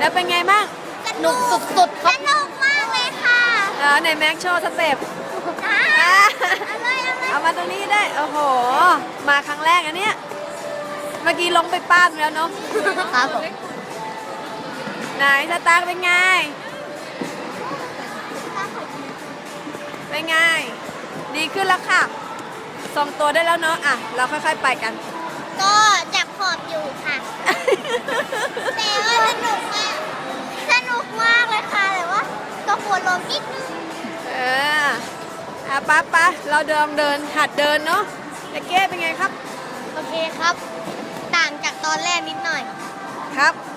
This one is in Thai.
แล้วเป็นไงบ้างสนุกสุดๆครับสนุกมากเลยค่ะในแม็กโชว์สเต็ป เอามาตรงนี้ได้ โอ้โห มาครั้งแรกอันเนี้ย เมื่อกี้ลงไปป้าดแล้วเนาะครับผมไหนสตาร์เป็นไง เป็นไง ดีขึ้นแล้วค่ะทรงตัวได้แล้วเนาะ อ่ะ เราค่อยๆไปกันก็จับขอบอยู่ค่ะ แต่ว่าสนุกมากเลยค่ะแต่ว่าก็ปวดลมนิดนึงป๊าเราเดินหัดเดินเนาะแต่เก้เป็นไงครับโอเคครับ ต่างจากตอนแรกนิดหน่อยครับ